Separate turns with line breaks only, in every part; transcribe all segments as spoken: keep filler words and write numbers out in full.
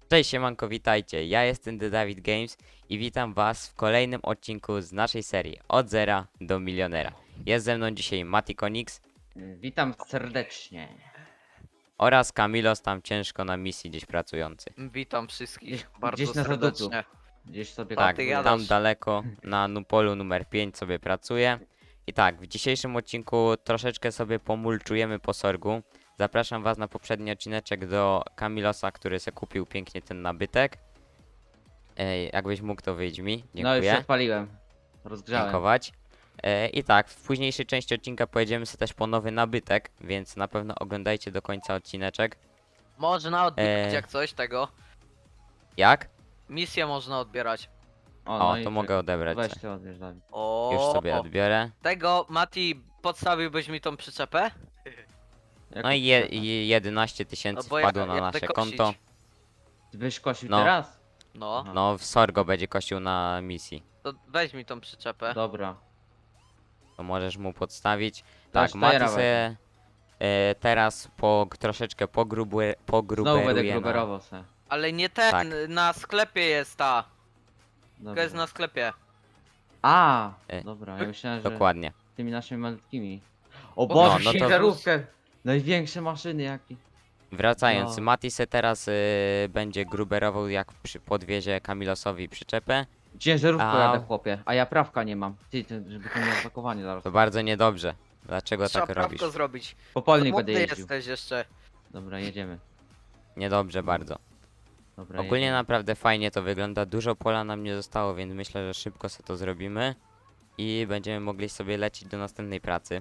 Cześć siemanko, witajcie, ja jestem The David Games i witam was w kolejnym odcinku z naszej serii Od zera do milionera. Jest ze mną dzisiaj Matikonix
Witam serdecznie.
oraz Kamilos, tam ciężko na misji gdzieś pracujący.
Witam wszystkich
Gdzieś-
bardzo
gdzieś na zaduplu.
serdecznie.
Gdzieś sobie
Tak,
ty
kupuję.
jadasz.
tam daleko na Nupolu numer pięć sobie pracuję. I tak, w dzisiejszym odcinku troszeczkę sobie pomulczujemy po sorgu. Zapraszam was na poprzedni odcineczek do Kamilosa, który se kupił pięknie ten nabytek. Ej, jakbyś mógł, to wyjdź mi,
No już
dziękuję.
się odpaliłem. Rozgrzałem.
Dziękować. E, I tak, w późniejszej części odcinka pojedziemy sobie też po nowy nabytek, więc na pewno oglądajcie do końca odcineczek.
Można odbierać
Eee.
jak coś tego.
Jak?
Misję można odbierać.
O,
no
to
i
mogę
czekaj.
odebrać.
Weź
se.
ty odbierz, Dawid.
O,
Już sobie odbiorę.
Tego, Mati, podstawiłbyś mi tą przyczepę?
No i je, i jedenaście tysięcy
No bo ja-
wpadło na
ja
nasze
będę
konto.
kosić.
Ty byś kosił
No.
teraz?
No,
Aha.
No, w Sorgo będzie kościł na misji.
to weź mi tą przyczepę.
Dobra.
To możesz mu podstawić.
Dasz
Tak, Mati
tajera
sobie e, teraz po, troszeczkę pogrubu,
Znowu będę
pogruberuje na...
gruberował se.
Ale nie ten,
Tak.
na sklepie jest ta. To
Dobra.
jest na sklepie.
A,
E,
dobra, ja myślałem, że
Dokładnie.
tymi naszymi malutkimi. O
No,
Boże,
no to-
ciężarówkę! Największe maszyny jakie.
Wracając,
No.
Mati se teraz y, będzie gruberował, jak przy, podwiezie Kamilosowi przyczepę.
Ciężarówką
A.
jadę, chłopie. A ja prawka nie mam. Ty, ty żeby to miał zapakowanie zaraz.
To bardzo niedobrze. Dlaczego
Trzeba
tak robisz?
prawko zrobić.
Popolnik będę
Młody
jeździł.
jesteś jeszcze.
Dobra, jedziemy.
Niedobrze bardzo.
Dobra,
Ogólnie
jedziemy.
naprawdę fajnie to wygląda. Dużo pola nam nie zostało, więc myślę, że szybko sobie to zrobimy. I będziemy mogli sobie lecieć do następnej pracy.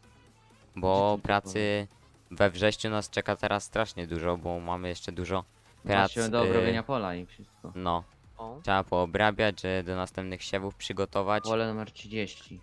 Bo
Gdzie ty
pracy we wrześniu nas czeka teraz strasznie dużo, bo mamy jeszcze dużo prac.
Właśnie do
y,
obrobienia pola i wszystko.
No,
O.
trzeba poobrabiać, że do następnych siewów przygotować.
Pole numer trzydzieści.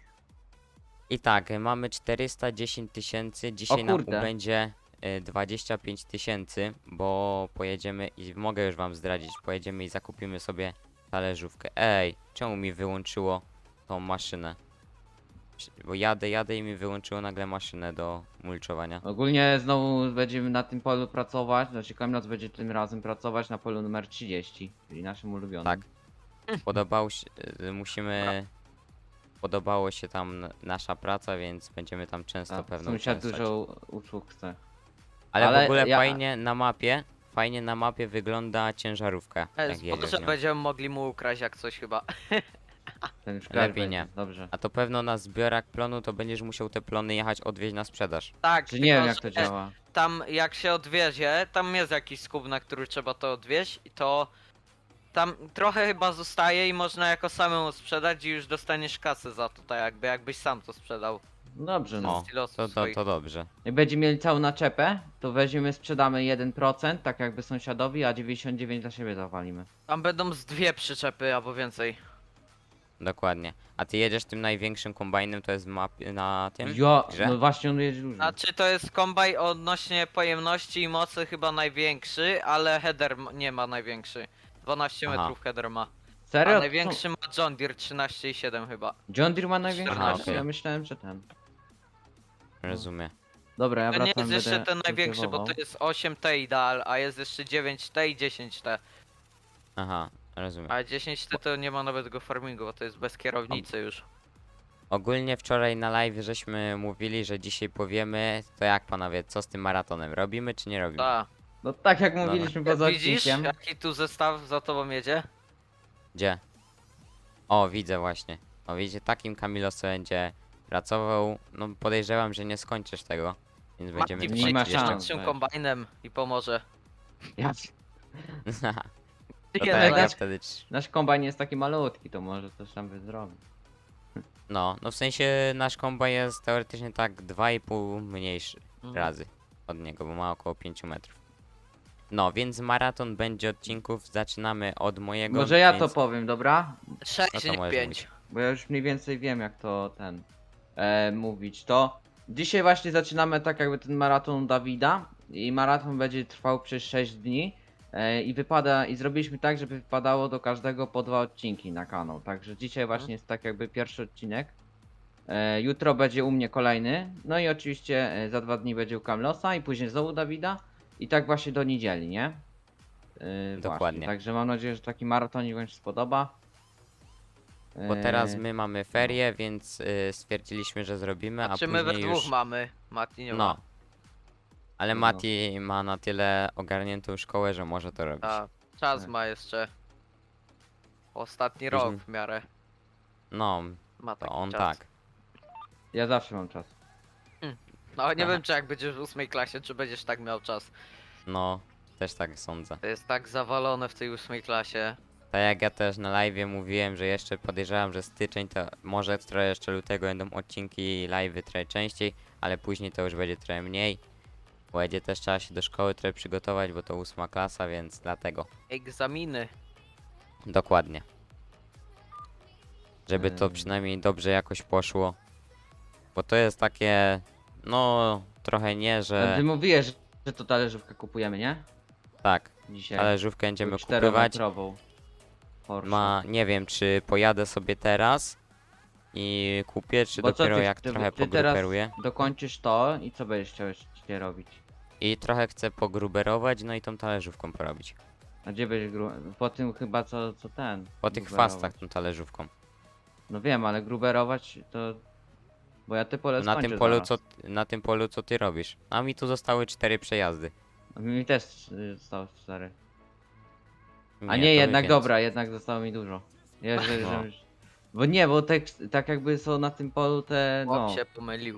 I tak, y, mamy czterysta dziesięć tysięcy, dzisiaj nam
kurde.
będzie y, dwadzieścia pięć tysięcy, bo pojedziemy i mogę już wam zdradzić, pojedziemy i zakupimy sobie talerzówkę. Ej, czemu mi wyłączyło tą maszynę? Przy- Bo jadę, jadę i mi wyłączyło nagle maszynę do mulczowania.
Ogólnie znowu będziemy na tym polu pracować, znaczy Kamilos będzie tym razem pracować na polu numer trzydzieści, czyli naszym ulubionym.
Tak. Podobało się, y, musimy... Podobało się tam n- nasza praca, więc będziemy tam często
Tak,
pewno
sąsiad
uczęszczać.
dużo usług chce.
Ale,
ale
w ogóle
ja-
fajnie na mapie, fajnie na mapie wygląda ciężarówka,
E,
jak jedziesz
Może
nią.
będziemy mogli mu ukraść jak coś chyba.
Ten już
Lepiej
będzie.
nie.
Dobrze.
A to pewno na zbiorach plonu to będziesz musiał te plony jechać odwieźć na sprzedaż.
Tak,
Czy nie wiem
tylko,
jak to
że
działa.
Tam jak się odwiezie, tam jest jakiś skup, na który trzeba to odwieźć i to tam trochę chyba zostaje i można jako samemu sprzedać i już dostaniesz kasę za to, tak jakby jakbyś sam to sprzedał.
Dobrze no.
O,
Z silosów
to, to,
swoich.
to dobrze.
Jak będziemy mieli całą naczepę, to weźmiemy, sprzedamy jeden procent, tak jakby sąsiadowi, a dziewięćdziesiąt dziewięć procent dla siebie zawalimy.
Tam będą z dwie przyczepy albo więcej.
Dokładnie. A ty jedziesz tym największym kombajnem, to jest map na tym?
Ja,
grze?
no właśnie on jedzie dużo.
Znaczy to jest kombaj odnośnie pojemności i mocy chyba największy, ale header m- nie ma największy. dwanaście
Aha.
metrów header ma. A
Serio?
największy ma John Deere trzynaście i siedem chyba.
Co? John Deere ma największy?
Aha,
Aha,
okej.
Ja myślałem, że ten.
Rozumiem.
Dobra, ja
To nie
wracam,
jest jeszcze
będę
ten największy, bo
kultywował.
to jest osiem T ideal, a jest jeszcze dziewięć T i dziesięć T.
Aha, rozumiem.
A dziesięć T to nie ma nawet go farmingu, bo to jest bez kierownicy już.
Ogólnie wczoraj na live żeśmy mówili, że dzisiaj powiemy, to jak panowie, co z tym maratonem? Robimy czy nie robimy?
Tak.
No tak jak mówiliśmy poza
Widzisz,
odcinkiem.
jaki tu zestaw za tobą jedzie?
Gdzie? O, widzę właśnie. O, widzicie, takim Kamilosem będzie pracował. No podejrzewam, że nie skończysz tego. Więc będziemy
Mati
nie
przyjdzie
ma
kończyć
szans.
szybszym
weź.
kombajnem i pomoże.
Ja,
jeszcze. To
Nie,
tak,
no,
ja
nasz-
wtedy... trz-
nasz kombajn jest taki malutki, to może coś tam by zrobił.
No, no w sensie nasz kombaj jest teoretycznie tak dwa i pół mniejszy
Mhm.
razy od niego, bo ma około pięć metrów. No, więc maraton będzie odcinków. Zaczynamy od mojego.
Może ja to
więc...
powiem, dobra?
sześć,
No to
nie
możesz
pięć.
mówić.
Bo ja już mniej więcej wiem jak to ten e, mówić. To dzisiaj właśnie zaczynamy tak jakby ten maraton Dawida i maraton będzie trwał przez sześć dni e, i wypada i zrobiliśmy tak, żeby wypadało do każdego po dwa odcinki na kanał. Także dzisiaj właśnie jest tak jakby pierwszy odcinek. E, jutro będzie u mnie kolejny. No i oczywiście e, za dwa dni będzie u Kamlosa i później znowu Dawida i tak właśnie do niedzieli, nie? Yy,
Dokładnie.
Właśnie. Także mam nadzieję, że taki maratonik wam się spodoba.
Bo teraz
Yy,
my mamy ferie, więc y, stwierdziliśmy, że zrobimy, a
A czy my we
później
dwóch
już...
mamy? Mati nie
No.
ma.
Ale
No.
Mati ma na tyle ogarniętą szkołę, że może to robić.
A, czas
Tak.
ma jeszcze. Ostatni
Później-
rok w miarę.
No,
Ma
to
taki
on
czas.
tak.
Ja zawsze mam czas.
No nie
Aha.
wiem czy jak będziesz w ósmej klasie, czy będziesz tak miał czas.
No, też tak sądzę.
To jest tak zawalone w tej ósmej klasie.
Tak jak ja też na live mówiłem, że jeszcze podejrzewam, że styczeń to może trochę jeszcze lutego będą odcinki live trochę częściej, ale później to już będzie trochę mniej. Bo będzie też trzeba się do szkoły trochę przygotować, bo to ósma klasa, więc dlatego.
Egzaminy.
Dokładnie. Żeby to
Ym.
przynajmniej dobrze jakoś poszło. Bo to jest takie, no trochę nie,
Ty
że
mówiłeś, że- że to talerzówkę kupujemy, nie?
tak,
Dzisiaj.
talerzówkę będziemy
Tą
kupować.
czterometrową Porsche.
Ma, nie wiem, czy pojadę sobie teraz i kupię, czy
Bo co
dopiero
ty-
jak
ty-
trochę
ty teraz
pogruberuję.
dokończysz to i co będziesz chciał jeszcze robić?
I trochę chcę pogruberować, no i tą talerzówką porobić.
A gdzie będziesz gru... Po tym chyba co, co ten?
Po tych
gruberować.
fastach tą talerzówką.
No wiem, ale gruberować to... Bo ja te pole
Na
skończę
tym polu
zaraz.
co, na tym polu co ty robisz. A mi tu zostały cztery przejazdy.
A mi też y, zostało cztery. A
to
nie,
mi
jednak
więcej.
dobra, jednak zostało mi dużo. Ja, że,
No.
że... Bo nie, bo tak, tak jakby są na tym polu te...
Chłop
No.
się pomylił.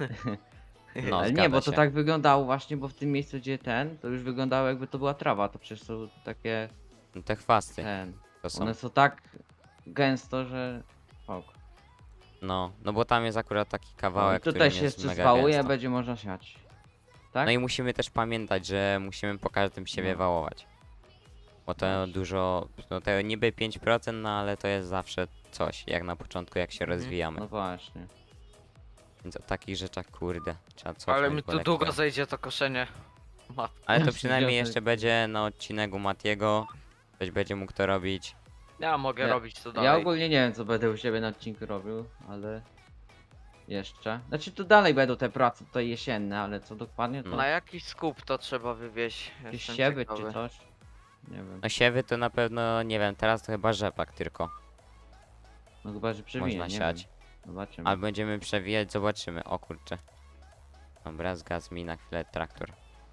No,
Ale nie,
zgadza
bo to
się.
tak wyglądało właśnie, bo w tym miejscu gdzie ten, to już wyglądało jakby to była trawa, to przecież są takie...
No te chwasty
ten...
to są.
One są tak gęsto, że... Ok.
No, no bo tam jest akurat taki
No, i
kawałek,
tutaj
który
się
jest
jeszcze
mega
zwałuje,
gęsto.
będzie można siać. Tak?
No i musimy też pamiętać, że musimy po każdym siebie
No.
wałować. Bo to
Właśnie.
dużo, no to niby pięć procent, no ale to jest zawsze coś, jak na początku, jak się
Mhm.
rozwijamy.
No właśnie.
Więc o takich rzeczach, kurde, trzeba cofnąć.
Ale mi
bo
tu
lekko.
długo zejdzie to koszenie. Mat.
Ale to
Ja
przynajmniej
się
jeszcze będzie na odcinku Matiego. Ktoś będzie mógł to robić.
Ja mogę
Ja-
robić to dalej.
Ja ogólnie nie wiem co będę u siebie na odcinku robił, ale... Jeszcze. Znaczy tu dalej będą te prace tutaj jesienne, ale co dokładnie to...
Na jakiś skup to trzeba wywieźć.
Jakieś
Jestem
siewy
ciekawy.
czy coś? Nie wiem.
No siewy to na pewno, nie wiem, teraz to chyba rzepak tylko.
No chyba, że przewinie,
Można
nie
siać.
wiem. Zobaczymy.
Ale będziemy przewijać, zobaczymy. O kurczę. Dobra, zgasł mi na chwilę traktor.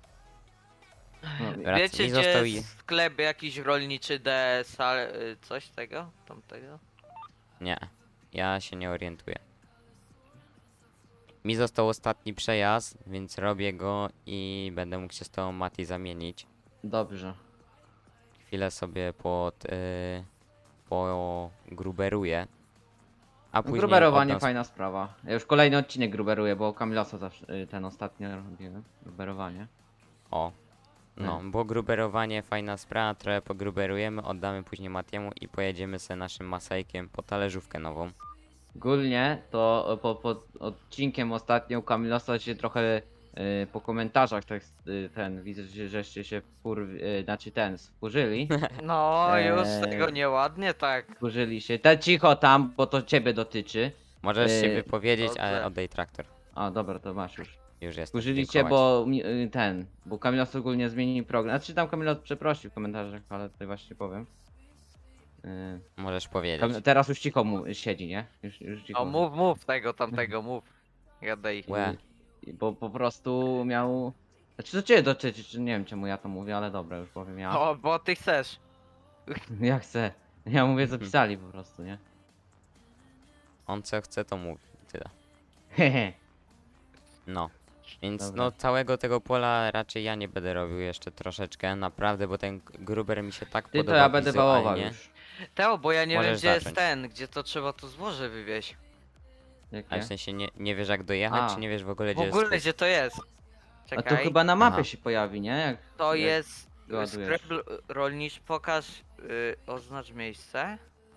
No,
Wrac-
Wiecie
mi
gdzie
został
jest
i-
sklep jakiś rolniczy D S, ale y, coś tego? Tamtego?
Nie, ja się nie orientuję. Mi został ostatni przejazd, więc robię go i będę mógł się z tą Mati zamienić.
Dobrze.
Chwilę sobie pod... Yy, pogruberuję. A
No,
później
gruberowanie
oddam-
fajna sprawa. Ja już kolejny odcinek gruberuję, bo Kamilosa zawsze y, ten ostatnio robiłem. Gruberowanie.
O. No, bo gruberowanie fajna sprawa, trochę pogruberujemy, oddamy później Matiemu i pojedziemy sobie naszym masajkiem po talerzówkę nową.
Ogólnie to po, po odcinkiem ostatnio u Kamilosa się trochę y, po komentarzach tak, y, ten widzę, że żeście się wkur, y, znaczy ten wkurzyli.
No już
Eee.
tego nieładnie tak.
Wkurzyli się. Te cicho tam, bo to ciebie dotyczy.
Możesz się
Yy,
wypowiedzieć, ale
dobrze.
oddaj traktor.
O dobra, to masz już.
Już jest.
Wkurzyli cię, bo mi- y, ten, bo Kamilos ogólnie zmienił program. Znaczy tam Kamilos przeprosił w komentarzach, ale tutaj właśnie powiem. Y,
Możesz powiedzieć.
Kamil, teraz już cicho mu siedzi, nie? Już, już cicho.
O mów, mów tego, tamtego, mów. Gadaj.
Łe.
I, bo po prostu miał... Znaczy to cię dotyczy, czy nie wiem czemu ja to mówię, ale dobra, już powiem ja.
O, bo ty chcesz.
Ja chcę. Ja mówię co
Mhm.
pisali po prostu, nie?
On co chce, to mówi. Tyle.
Hehe.
No. Więc
Dobra.
no całego tego pola raczej ja nie będę robił jeszcze troszeczkę, naprawdę, bo ten gruber mi się tak
Ty to
podoba
ja będę wałował
wizualnie.
już.
Teo, bo ja nie wiem
Możesz
gdzie jest
zacząć.
ten, gdzie to trzeba to złoże wywieźć.
Jakie?
Ale w sensie nie, nie wiesz jak dojechać,
A.
czy nie wiesz w ogóle
W
gdzie
ogóle
jest
gdzie to jest?
A
Czekaj.
to chyba na mapie
Aha.
się pojawi, nie? Jak,
To
jak
jest
ładujesz.
sklep l- rolniczy, pokaż, y, oznacz miejsce.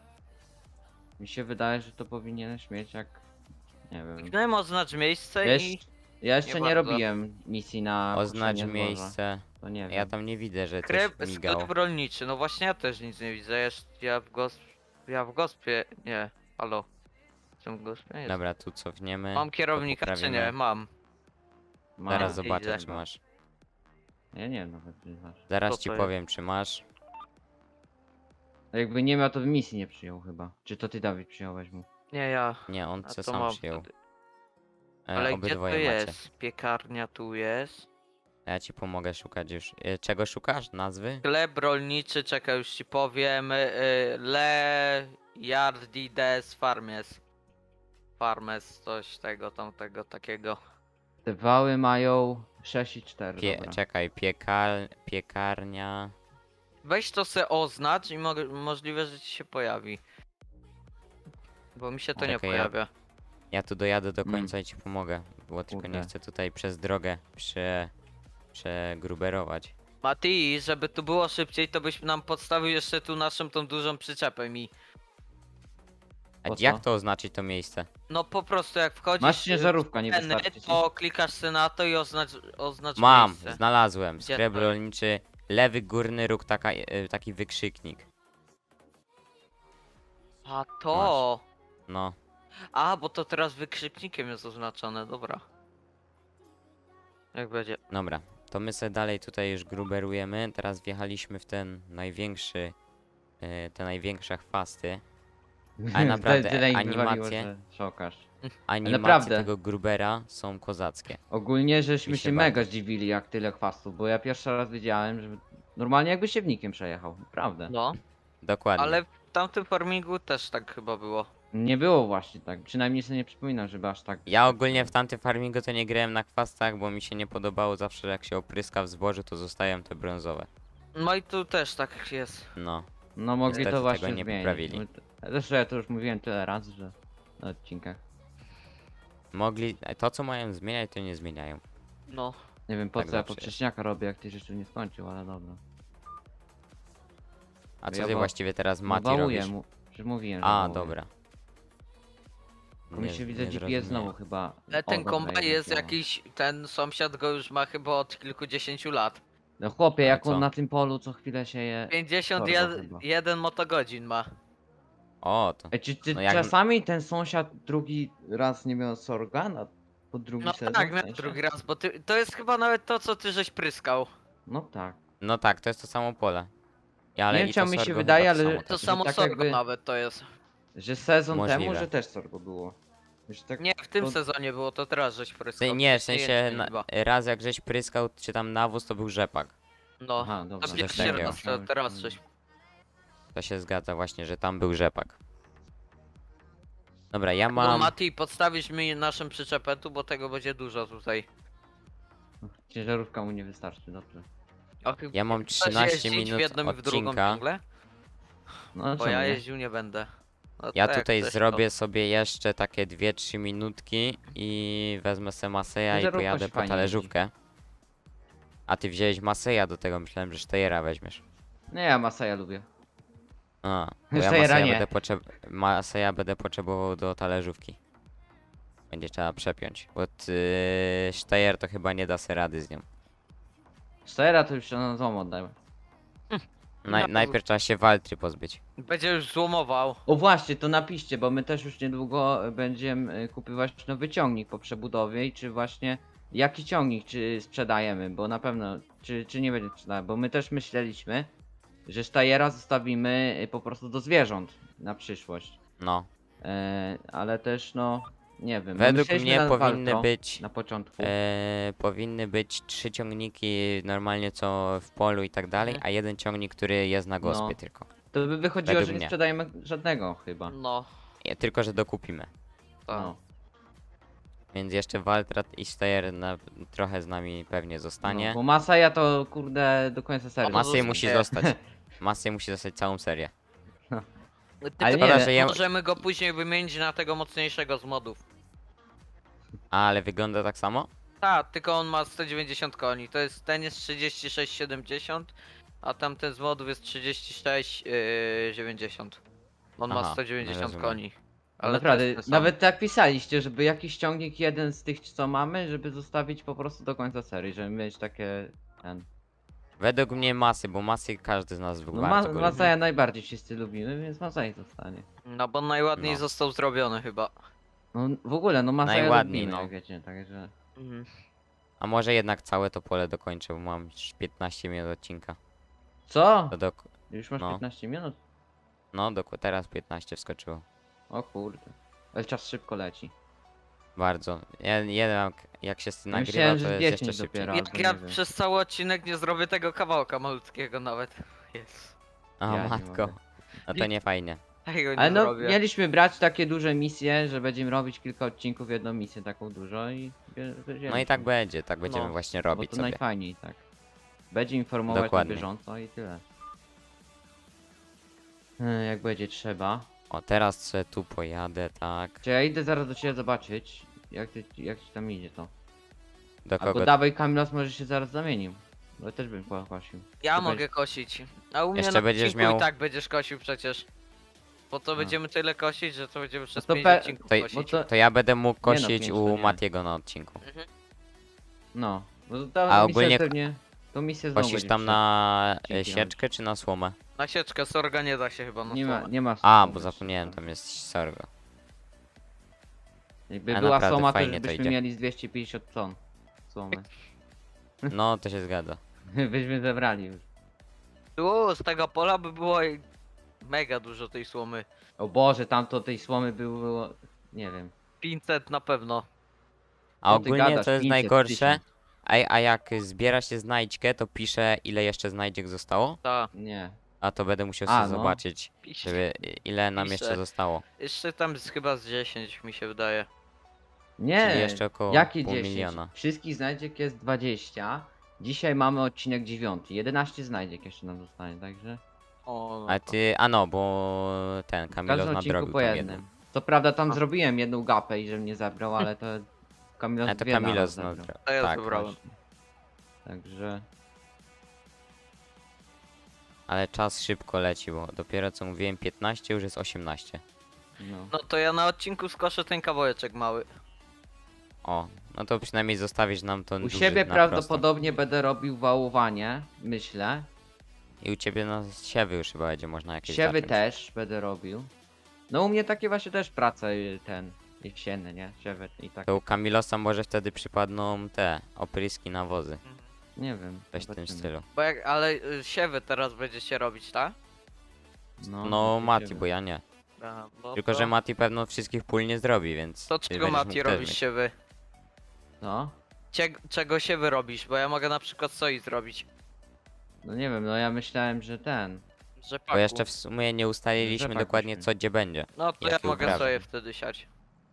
Mi się wydaje, że to powinieneś mieć jak... Nie wiem.
Kliknąłem oznacz miejsce
Wiesz,
i
ja jeszcze nie,
nie bardzo.
robiłem misji na
Oznacz
koszenie zboża.
miejsce.
To nie wiem.
Ja tam nie widzę, że
sklep,
coś migało.
sklep rolniczy. No właśnie ja też nic nie widzę. Jeszcze ja w gosp... Ja w gospie... Nie. Halo. Jestem w gospie? Jest.
Dobra, tu cofniemy.
Mam
to
kierownika czy
poprawimy.
nie? Mam.
Ma-
Zaraz
Idę.
zobaczę czy masz.
Ja nie wiem nawet, czy masz.
Zaraz
Co
ci
to jest?
powiem, czy masz.
A jakby nie miał, to by misji nie przyjął chyba. Czy to ty, Dawid, przyjąłeś mu?
Nie ja.
Nie, on
A
se
to
sam
mam
przyjął.
wtedy.
E,
Ale gdzie to
obydwoje macie.
jest? Piekarnia tu jest.
Ja ci pomogę szukać już. E, czego szukasz? Nazwy?
Sklep rolniczy, czekaj już ci powiem. y, y, Le Yardides Farmes. Farmes, coś tego, tamtego, takiego.
Te wały mają sześć i cztery,
Pie
dobra.
czekaj, piekar piekarnia.
Weź to se oznacz i mo możliwe, że ci się pojawi. Bo mi się to nie
Czekaj, ja-
pojawia.
Ja tu dojadę do
Mm.
końca i ci pomogę. Bo tylko nie
Kurde.
chcę tutaj przez drogę prze... przegruberować.
Mati, żeby tu było szybciej, to byś nam podstawił jeszcze tu naszą tą dużą przyczepę mi.
A
Po
jak
co?
to oznaczyć to miejsce?
No po prostu jak wchodzisz
Masz ciężarówka, nie
w ceny,
wystarczy ci?
to klikasz sobie na to i oznacz, oznacz
Mam,
miejsce.
znalazłem.
Gdzie
Sklep
to jest?
rolniczy, lewy górny róg, taka, e, taki wykrzyknik.
A to.
No,
A, bo to teraz wykrzyknikiem jest oznaczone, dobra. Jak będzie?
dobra. To my sobie dalej tutaj już gruberujemy. Teraz wjechaliśmy w ten największy, e, te największe chwasty. Ale naprawdę,
Tyle ich
animacje-
wywaliło, że szokasz.
Animacje
naprawdę.
tego grubera są kozackie.
Ogólnie żeśmy
Mi
się,
się
mega
bardzo.
zdziwili jak tyle chwastów, bo ja pierwszy raz widziałem, że normalnie jakby siewnikiem przejechał, naprawdę.
No,
Dokładnie.
ale w tamtym farmingu też tak chyba było.
Nie było właśnie tak, przynajmniej sobie nie przypominam, żeby aż tak...
Ja ogólnie w tamtym farmingu to nie grałem na chwastach, bo mi się nie podobało zawsze jak się opryska w zbożu, to zostają te brązowe.
No i tu też tak jest.
No.
No mogli
Niestety
to właśnie
tego nie
zmienić.
poprawili.
My- Zresztą ja to już mówiłem tyle razy, że na odcinkach.
Mogli, to co mają zmieniać, to nie zmieniają.
No.
Nie wiem po
Tak
co ja
zawsze jest.
poprzeczniaka robię, jak ty jeszcze nie skończył, ale dobra.
A co
Ja
ty
wa-
właściwie teraz
No
Mati
wałuję
robisz?
mu, przecież mówiłem, że
A,
wałuję.
dobra.
Tylko mi się widzę G P S znowu chyba.
Ale
O,
ten
dobra,
kombaj jest
działa.
jakiś, ten sąsiad go już ma chyba od kilkudziesięciu lat.
No chłopie,
Ale
jak
co?
on na tym polu co chwilę się je...
pięćdziesiąt jeden motogodzin ma.
O, to.
Ej, czy ty
No jak-
czasami ten sąsiad drugi raz nie miał sorga na pod drugi
No
sezon?
tak,
w
na
sensie?
drugi raz, bo ty, to jest chyba nawet to, co ty żeś pryskał.
No tak.
No tak, to jest to samo pole. I, ale
Nie wiem,
i to
czemu mi się
sorgo
wydaje,
chyba to
ale-
samo
To
też.
Że
samo
tak
sorgo
jakby-
nawet to jest.
Że sezon temu,
Możliwe.
że też sorgo było. Że tak...
Nie, w tym
to-
sezonie było, to teraz żeś
W
pryskał.
sensie- Nie, w
wcześniej
sensie
jęczmień
na,
chyba.
raz jak żeś pryskał, czy tam nawóz, to był rzepak.
No,
Aha, dobra.
to
coś
pierwszy
takiego.
raz, to teraz żeś.
To się zgadza właśnie, że tam był rzepak. Dobra, ja
Bo
mam...
Mati, podstawisz mi naszą przyczepę tu, bo tego będzie dużo tutaj.
Ciężarówka mu nie wystarczy, dobrze.
O, chyba
Ja mam
chcesz
trzynaście
jeździć
minut
w jedną i w drugą
odcinka.
ciągle?
No
Bo
czemu
ja
nie?
jeździł nie będę. No
Ja
to jak
tutaj
chcesz,
zrobię sobie jeszcze takie dwie trzy minutki i wezmę sobie Maseja i
Ciężarówka
pojadę
się
po
fajnie
talerzówkę. A ty wziąłeś Maseja do tego, myślałem, że Steyera weźmiesz.
Nie, ja Masaja lubię.
A, bo ja
Steyera
Maseja
nie.
będę, potrzeb... Maseja będę potrzebował do talerzówki. Będzie trzeba przepiąć, bo ty... Steyer to chyba nie da sobie rady z nią.
Stera to już się na złom oddałem.
Naj...
Ja-
Najpierw trzeba się Waltry pozbyć.
Będzie już złomował.
O właśnie, to napiszcie, bo my też już niedługo będziemy y, kupywać nowy ciągnik po przebudowie i czy właśnie jaki ciągnik, czy sprzedajemy, bo na pewno, czy, czy nie będzie sprzedać, bo my też myśleliśmy, że Steyera zostawimy y, po prostu do zwierząt na przyszłość.
No.
E, ale też no, nie wiem. bo
Według
myśleliśmy
mnie
na
powinny
Valtro
być...
na początku.
E, powinny być trzy ciągniki normalnie co w polu i tak dalej,
Mhm.
a jeden ciągnik, który jest na gospie
No.
tylko.
To by wychodziło,
według
że nie
mnie.
sprzedajemy żadnego chyba.
No,
Nie, tylko, że dokupimy.
tak.
No.
Więc jeszcze Waltrat i Steyer na, trochę z nami pewnie
No,
zostanie.
bo Masaja to kurde do końca serii.
Ma-
Masy
zostanie.
musi zostać. Masy musi zostać całą serię.
Ty
Ale
tylko
nie,
że ja-
możemy go później wymienić na tego mocniejszego z modów.
A, ale wygląda tak samo?
Tak, tylko on ma sto dziewięćdziesiąt koni. To jest, ten jest trzydzieści sześć siedemdziesiąt, a tamten z modów jest trzydzieści sześć dziewięćdziesiąt. On ma
Aha,
sto dziewięćdziesiąt
rozumiem.
koni.
Ale
to
naprawdę,
jest ten sam.
nawet tak pisaliście, żeby jakiś ciągnik jeden z tych co mamy, żeby zostawić po prostu do końca serii, żeby mieć takie ten.
Według mnie Masy, bo Masy każdy z nas
No
bardzo
ma,
go lubi.
Masaja najbardziej wszyscy lubimy, więc Masaj zostanie.
No bo najładniej
No.
został zrobiony chyba.
No w ogóle, no Masaja
Najładniej,
lubimy,
no.
jak wiecie, także.
Mhm.
A może jednak całe to pole dokończę, bo mam już piętnaście minut odcinka.
Co?
To dok
Już masz
no.
piętnaście minut?
no, dok teraz piętnaście wskoczyło.
O kurde. Ale czas szybko leci.
Bardzo. Ja, jeden jak, jak się nagrywa,
myślałem,
to
że
jest
dziesięć
jeszcze szybciej.
dopiero.
Jak
Albo
ja
nie wiem.
przez cały odcinek nie zrobię tego kawałka malutkiego nawet. Jest.
O
Ja nie
matko.
mogę.
No to nie fajnie.
Tego nie
Ale no,
zrobię.
mieliśmy brać takie duże misje, że będziemy robić kilka odcinków, jedną misję taką dużo i... bie- wzięliśmy.
No i tak będzie, tak będziemy
No,
właśnie
Bo
robić
to
sobie.
najfajniej, tak. Będzie informować
Dokładnie.
na bieżąco i tyle. E, Jak będzie trzeba.
O, teraz se tu pojadę, tak.
Czy ja idę zaraz do ciebie zobaczyć, jak, ty, jak ci tam idzie to.
Do
Albo
kogo?
dawaj Kamilos, może się zaraz zamienił. Bo ja też bym pokosił.
Ja
Ty
mogę
będziesz-
kosić. A u mnie
Jeszcze
na
będziesz
odcinku
miał-
i tak będziesz kosił przecież. Bo to
No.
będziemy tyle kosić, że to będziemy przez
to
pięć
pe-
odcinków
To,
kosić.
bo to-
to ja będę mógł
Nie no,
kosić
pięć to
u
nie.
Matiego na odcinku.
Mhm.
No. Bo to ta
A
misja
ogólnie-
pewnie... To misję znowu
Kosisz
będzie
tam
przed-
na e,
Dzięki,
sieczkę czy na słomę?
Na sieczkę sorga nie da się chyba na
Nie ma,
słomę.
nie ma
A,
słomy
bo
jeszcze,
zapomniałem,
tak.
tam jest sorgo.
Jakby
A
była
naprawdę
słoma, to
fajnie
już
to
byśmy
idzie.
mieli z dwieście pięćdziesiąt ton słomy.
No, to się zgadza.
Byśmy zebrali już.
Tu z tego pola by było i- mega dużo tej słomy.
O Boże, tamto tej słomy było... Nie wiem.
pięćset na pewno.
A
Co ty
ogólnie
gadasz?
to jest
pięćset,
najgorsze.
tysiąc.
A, a jak zbiera się znajdźkę, to pisze ile jeszcze znajdziek zostało.
Ta,
Nie.
A to będę musiał
A,
sobie
no.
zobaczyć,
pisze.
żeby ile nam
Pisze.
jeszcze zostało.
Jeszcze tam jest chyba z dziesięć mi się wydaje.
Nie.
Czyli jeszcze około
Jakie
pół
dziesięć?
miliona.
Wszystkich znajdziek jest dwadzieścia. Dzisiaj mamy odcinek dziewiąty. jedenaście znajdziek jeszcze nam zostanie, także...
O, no
A
to-
ty, a no, bo ten
W
Kamilos
każdym odcinku
nadrobił
po
tą
jednym.
jedną.
Co prawda tam
A.
zrobiłem jedną gapę i że mnie zabrał, ale to... Kamilos
A to
dwie naraz
Kamilos
zabrał.
nadrobił.
To ja
Tak,
zabrałem.
Właśnie. Także...
ale czas szybko leci, bo dopiero co mówiłem piętnaście, już jest osiemnaście.
No.
No to ja na odcinku skoszę ten kawałeczek mały.
O, no to przynajmniej zostawisz nam to
U siebie prawdopodobnie będę robił wałowanie, myślę.
I u ciebie na siewy już chyba będzie można jakieś
Siewy
zacząć.
też będę robił. No u mnie takie właśnie też prace y, ten jesienne, nie? Siewy i tak.
To u Kamilosa może wtedy przypadną te opryski nawozy.
Nie wiem.
Coś w tym
zobaczymy.
stylu.
Bo jak, ale y, siewy teraz będziecie robić, tak?
No,
No
takie
Mati,
siewy.
bo ja nie.
Aha, no
Tylko,
to,
że Mati pewno wszystkich pól nie zrobi, więc...
To
ty
czego
będziesz
Mati
mógł też
robisz
mieć.
siewy?
Co?
Cie, czego siewy robisz? Bo ja mogę na przykład soi zrobić.
No nie wiem, no ja myślałem, że ten.
Rzepaku.
Bo jeszcze w sumie nie ustaliliśmy
Rzepak
dokładnie
byśmy.
co gdzie będzie.
No to ja
jakie
mogę
uprawy.
soję wtedy siać.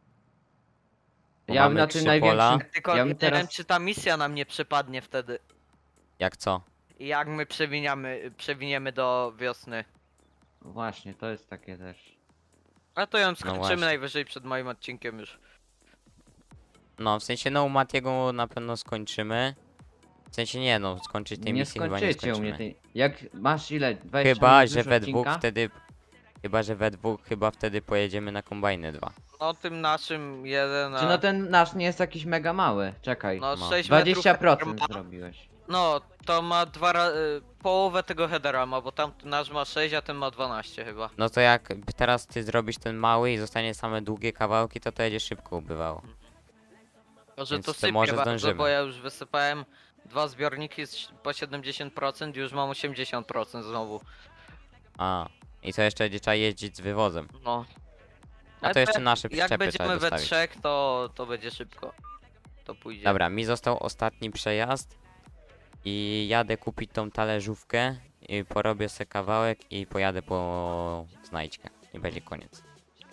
Bo
Ja
mamy
na
trzy
tym największym.
pola.
Tylko
Ja
nie
bym teraz-
wiem czy ta misja nam nie przypadnie wtedy.
Jak co?
I jak my przewiniamy, przewiniemy do wiosny.
Właśnie, to jest takie też.
A to ją skończymy
właśnie.
najwyżej przed moim odcinkiem już.
No, w sensie no u Matiego na pewno skończymy. W sensie nie no, skończyć tej
Nie
misji chyba nie
skończycie u mnie
skończymy.
tej. Jak masz ile? dwadzieścia
Chyba,
minut
że
już
we
odcinka?
dwóch wtedy... Chyba, że we dwóch chyba wtedy pojedziemy na kombajny dwa.
No tym naszym jeden.
Czy
a-
no ten nasz nie jest jakiś mega mały? Czekaj.
no
ma.
sześć
dwadzieścia
metrów
procent
headera ma.
zrobiłeś.
No to ma dwa ra- y, połowę tego headera ma, bo tam nasz ma sześć, a ten ma dwanaście chyba.
No to jak teraz ty zrobisz ten mały i zostanie same długie kawałki, to to będzie szybko ubywało.
Może
Więc
to
to
sypie
może
bardzo,
zdążymy.
bo ja już wysypałem dwa zbiorniki z, po siedemdziesiąt procent i już mam osiemdziesiąt procent znowu.
A, i co jeszcze będzie trzeba jeździć z wywozem.
No.
A
Ale
to jeszcze
jak-
nasze
Jak
przyczepy trzeba
będziemy we
dostawić.
trzech, to, to będzie szybko. To pójdzie.
Dobra, mi został ostatni przejazd i jadę kupić tą talerzówkę i porobię sobie kawałek i pojadę po znajdźkę i będzie koniec.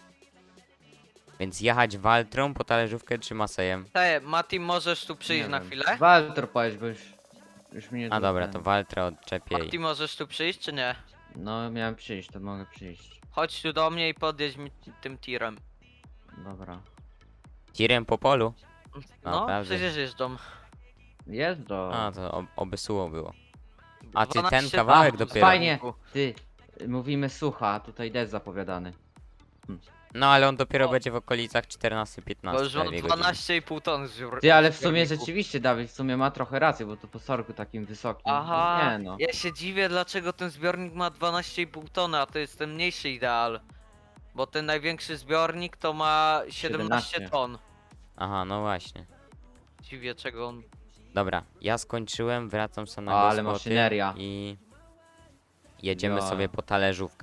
Więc jechać Waltrą po talerzówkę czy Masejem?
Te, Mati, możesz tu przyjść
Nie
na
wiem.
chwilę?
Walter powiedz, bo już. Już mnie
A dobra,
ten-
to Waltrę odczepię
Mati,
i...
możesz tu przyjść, czy nie?
No miałem przyjść, to mogę przyjść.
Chodź tu do mnie i podjedź mi tym tirem.
Dobra.
Tirem po polu?
No,
Naprawdę?
przecież jeżdżą.
Jest do.
A, to ob oby suło było. A ty ten
dwanaście
kawałek
dni.
dopiero.
Fajnie. Ty, mówimy sucha, a tutaj deszcz zapowiadany.
No ale on dopiero
O.
będzie w okolicach czternaście
Bo
piętnaście
już mam
dwie godziny.
dwanaście i pół ton zbiór.
Ty, ale w sumie
zbiorników.
rzeczywiście Dawid w sumie ma trochę rację, bo to po sorku takim wysokim.
Aha,
Nie no.
ja się dziwię dlaczego ten zbiornik ma dwanaście i pół tony, a to jest ten mniejszy ideal. Bo ten największy zbiornik to ma siedemnaście
siedemnaście.
ton.
Aha, no właśnie.
Dziwię czego on...
Dobra, ja skończyłem, wracam sobie na
O, ale
gospody
maszyneria.
i jedziemy
Ja.
sobie po talerzówkę.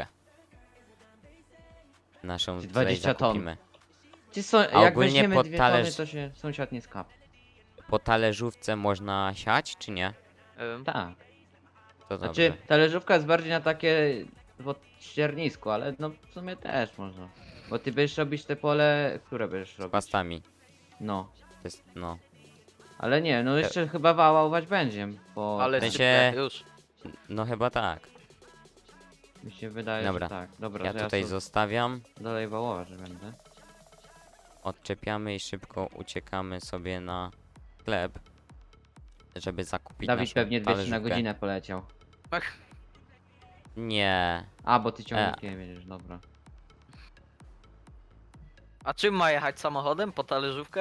Naszą tutaj
dwadzieścia ton.
zakupimy.
Ci są, jak
ogólnie
weźmiemy
pod
dwie
talerz-
tony, to się sąsiad nie skap.
Po talerzówce można siać, czy nie?
Ym,
Tak.
To
Znaczy,
dobrze.
talerzówka jest bardziej na takie pod ściernisku, ale no w sumie też można. Bo ty będziesz robić te pole, które będziesz
Z
robić?
pastami.
No.
To jest, no.
Ale nie, no jeszcze chyba wałać będzie, bo
ale
W sensie-
sypie, już.
No chyba tak.
mi się wydaje,
Dobra.
że tak. Dobra,
Ja
że
tutaj
ja
zostawiam.
dalej wałować będę.
Odczepiamy i szybko uciekamy sobie na sklep. Żeby zakupić
Dawid
naszą
pewnie dwieście na
talerzówkę.
godzinę poleciał.
Ach,
A,
Nie.
E.
bo ty ciągnikiem jedziesz, dobra.
a czym ma jechać samochodem? Po talerzówkę?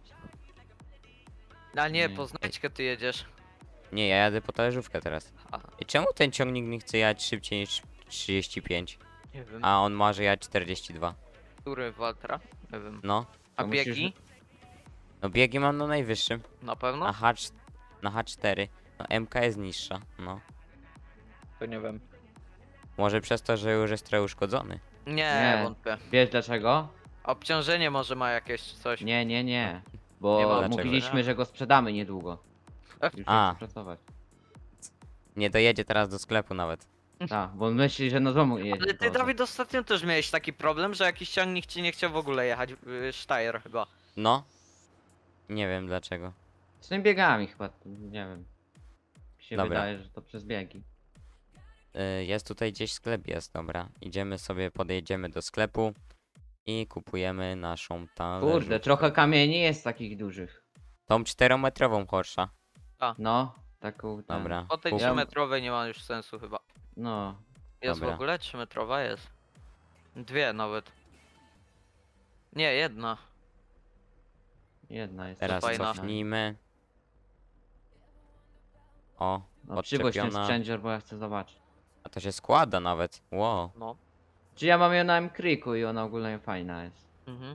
A nie,
Nie.
po znajdźkę ty jedziesz.
Nie, ja jadę po talerzówkę teraz.
A,
I czemu ten ciągnik nie chce jechać szybciej niż trzydzieści pięć?
nie wiem.
A on może jechać czterdzieści dwa.
Który Waltra? Nie wiem.
No.
A
To musisz-
biegi?
No biegi mam na najwyższym.
Na pewno?
Na H, na H cztery. No M K jest niższa. No.
To nie wiem.
Może przez to, że już jest trochę uszkodzony.
Nie,
Nie.
wątpię.
Wiesz dlaczego?
Obciążenie może ma jakieś czy coś.
Nie, nie, nie.
Nie
Bo
ma
dlaczego.
mówiliśmy, że go sprzedamy niedługo. Już
A.
A. pracować.
Nie dojedzie teraz do sklepu nawet.
Tak, bo on myśli, że na domu jedzie.
Ale ty,
to-
Dawid, ostatnio też miałeś taki problem, że jakiś ciągnik ci nie chciał w ogóle jechać. yy, Steyr chyba.
No. Nie wiem dlaczego.
Z tymi biegami chyba, nie wiem. Mi się
Dobra.
wydaje, że to przez biegi.
Y, Jest tutaj gdzieś sklep, jest, dobra. Idziemy sobie, podejdziemy do sklepu i kupujemy naszą talerzówkę.
Kurde, trochę kamieni jest takich dużych.
Tą czterometrową Porsche.
No, taką. Ten,
Dobra.
Po tej
kup-
Ja-
trzymetrowej nie ma już sensu chyba.
No,
Jest
Dobra.
w ogóle? trzymetrowa jest. Dwie nawet. Nie, jedna.
jedna jest.
Teraz
fajna.
cofnijmy. O,
No, przywóź ten
odczepiona.
sprzęcior, bo ja chcę zobaczyć.
A to się składa nawet. Wow.
No.
Czy ja mam ją na M-Creeku i ona ogólnie fajna jest.
Mhm.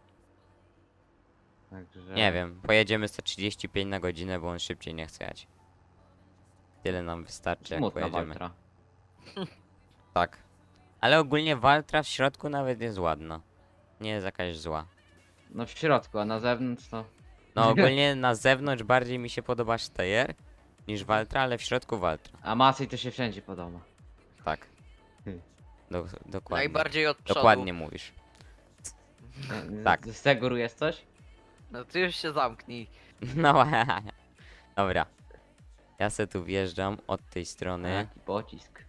Także.
Nie wiem, pojedziemy sto trzydzieści pięć na godzinę, bo on szybciej nie chce jechać. Tyle nam wystarczy, jak
Smutna
pojedziemy.
Waltra.
Tak. Ale ogólnie Waltra w środku nawet jest ładna. Nie jest jakaś zła.
No w środku, a na zewnątrz to.
No ogólnie na zewnątrz bardziej mi się podoba Steyr niż Waltra, ale w środku Waltra.
A Masej to się wszędzie podoba.
Tak.
Hmm.
Do, dokładnie.
Najbardziej od przodu.
Dokładnie mówisz.
Z-
Tak.
Z tego góry jest coś?
No ty już się zamknij.
No dobra. Ja se tu wjeżdżam od tej
A,
strony.
jaki pocisk.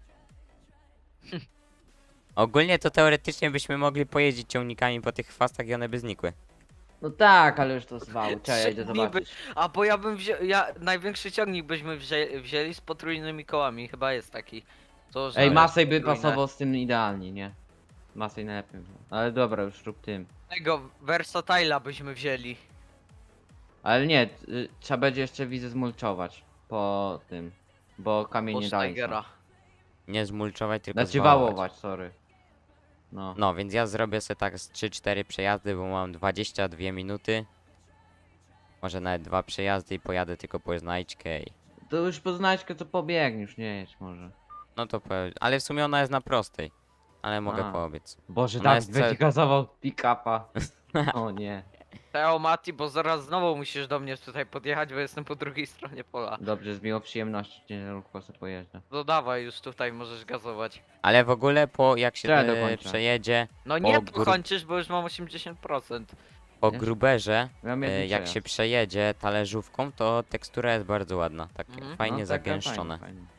Ogólnie to teoretycznie byśmy mogli pojeździć ciągnikami po tych chwastach i one by znikły.
No tak, ale już to zwał. Czekaj, ja
Trzy
idę
dni
zobaczyć.
A bo ja bym wziął, ja największy ciągnik byśmy wzię, wzięli z potrójnymi kołami, chyba jest taki. To, że
Ej, Masej by
potrójne.
pasował z tym idealnie, nie? Masej najlepiej. Ale dobra, już rób tym.
Tego Versatile'a byśmy wzięli.
Ale nie, y, trzeba będzie jeszcze widzę zmulczować po tym. Bo kamień
Po
nie daje.
Steigera.
Nie zmulczować, tylko
Znaczy
zwałować.
wałować, sorry. No.
No, więc ja zrobię sobie tak z trzy cztery przejazdy, bo mam dwadzieścia dwie minuty. Może nawet dwa przejazdy i pojadę tylko po znajdźkę i...
To już po znaczkę to pobiegniesz, nie jedź może.
No to po... Ale w sumie ona jest na prostej. Ale mogę
A.
poobiec.
Boże,
Ona
tak,
jest
będzie
ce-
gazował pick-upa. O nie.
Teo Mati, bo zaraz znowu musisz do mnie tutaj podjechać, bo jestem po drugiej stronie pola.
Dobrze, z miłą przyjemnością ciężarówką sobie pojeżdżę.
No dawaj, już tutaj możesz gazować.
Ale w ogóle po jak się
Trzeba
e,
dokończę.
przejedzie
No nie
O, gru-
dokończysz, bo już mam osiemdziesiąt procent.
po
Wiesz?
gruberze,
Miałem
e,
jedny
jak
przejazd.
się przejedzie talerzówką, to tekstura jest bardzo ładna. Tak
Mhm.
fajnie
No, taka
zagęszczone.
fajna, fajna.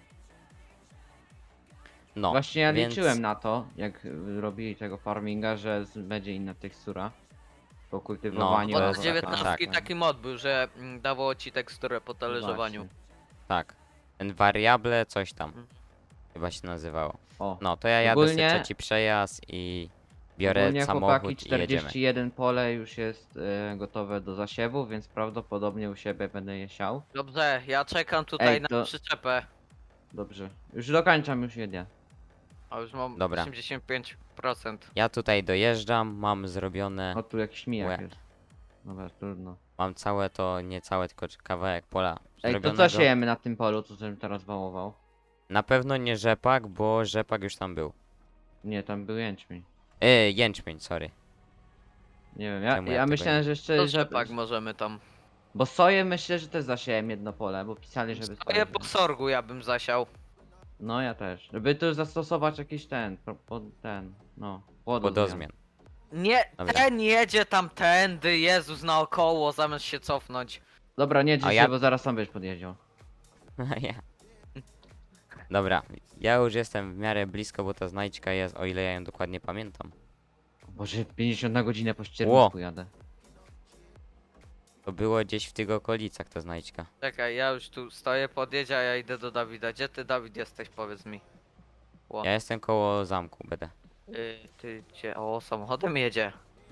No,
Właśnie ja
więc...
liczyłem na to, jak y, robili tego farminga, że z- będzie inna tekstura. Po kultywowaniu.
No, to
Bo
jest
z
taka-
dziewiętnastki
tak.
taki mod był, że mm, dawało ci teksturę po talerzowaniu.
Właśnie.
Tak. Ten variable coś tam.
Mhm.
Chyba się nazywało.
O,
No, to ja jadę
Ogólnie-
sobie trzeci przejazd i biorę
ogólnie
samochód
chłopaki
i jedziemy.
czterdzieści jeden pole już jest y, gotowe do zasiewu, więc prawdopodobnie u siebie będę je siał.
Dobrze, ja czekam tutaj
Ej,
na
to-
przyczepę.
Dobrze. Już dokończam, już jedę.
A już mam
Dobra.
osiemdziesiąt pięć procent.
Ja tutaj dojeżdżam, mam zrobione...
O, tu jakiś mijak
Łe.
jest. Dobra, trudno.
Mam całe to, nie całe, tylko kawałek pola
Ej, to
zrobionego.
co siejemy na tym polu, co żebym teraz wałował?
Na pewno nie rzepak, bo rzepak już tam był.
Nie, tam był jęczmień.
E, jęczmień, sorry.
Nie wiem, ja,
Czemu ja
ja
tego
myślałem,
nie-
że jeszcze...
To
że,
rzepak możemy tam.
Bo soję myślę, że też zasiałem jedno pole, bo pisali, żeby...
Stoję
soję-
po sorgu ja bym zasiał.
No ja też. Żeby tu zastosować jakiś ten, pro- pod ten, no, płodozmian.
Podozmian.
Nie,
Dobra.
ten jedzie tamtędy, Jezus, naokoło, zamiast się cofnąć.
Dobra, nie drzyj
A
się,
ja-
bo zaraz sam będziesz podjeździł.
ja. Dobra, ja już jestem w miarę blisko, bo ta znajdźka jest, o ile ja ją dokładnie pamiętam.
Boże, pięćdziesiąt na godzinę po ściernisku jadę.
To było gdzieś w tych okolicach ta znajdźka.
Czekaj, ja już tu stoję, podjedź, a ja idę do Dawida. Gdzie ty, Dawid, jesteś, powiedz mi. O.
Ja jestem koło zamku, będę.
Y, ty gdzie? O, samochodem jedzie.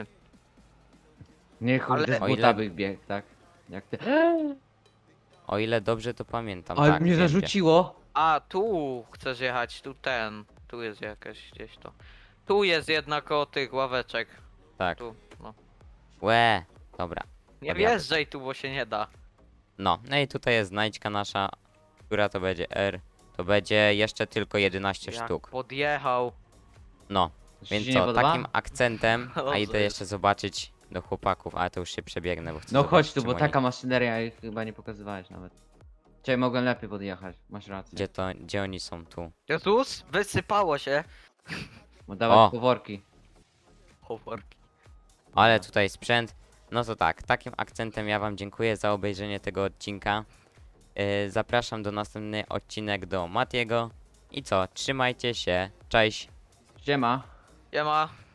Nie kurde,
Ale-
z
O
buta
ile-
bych biegł, tak? Jak ty...
O ile dobrze to pamiętam,
Ale
tak,
mnie
wiem, gdzie.
zarzuciło!
A, tu chcesz jechać, tu ten. Tu jest jakaś gdzieś to. Tu jest jednak koło tych ławeczek.
Tak.
Tu, no.
Łe, dobra.
Nie
Podjadę.
wjeżdżaj tu, bo się nie da.
No, no i tutaj jest znajdźka nasza, która to będzie R. To będzie jeszcze tylko jedenaście
Jak
sztuk.
podjechał.
No,
To ci
więc
nie
co,
podoba?
takim akcentem, a
Dobrze
idę
jest.
jeszcze zobaczyć do chłopaków, ale to już się przebiegnę, bo chcę
No
zobaczyć,
chodź tu,
czym
bo
oni-
taka maszyneria ich chyba nie pokazywałeś nawet. Ciebie mogłem lepiej podjechać, masz rację.
Gdzie to, gdzie oni są tu?
Jezus, wysypało się.
Bo dawać
O!
poworki.
Choworki.
Ale
No.
tutaj sprzęt. No to tak, takim akcentem ja wam dziękuję za obejrzenie tego odcinka. Yy, zapraszam do następny odcinek do Matiego. I co, trzymajcie się, cześć!
Siema.
Siema.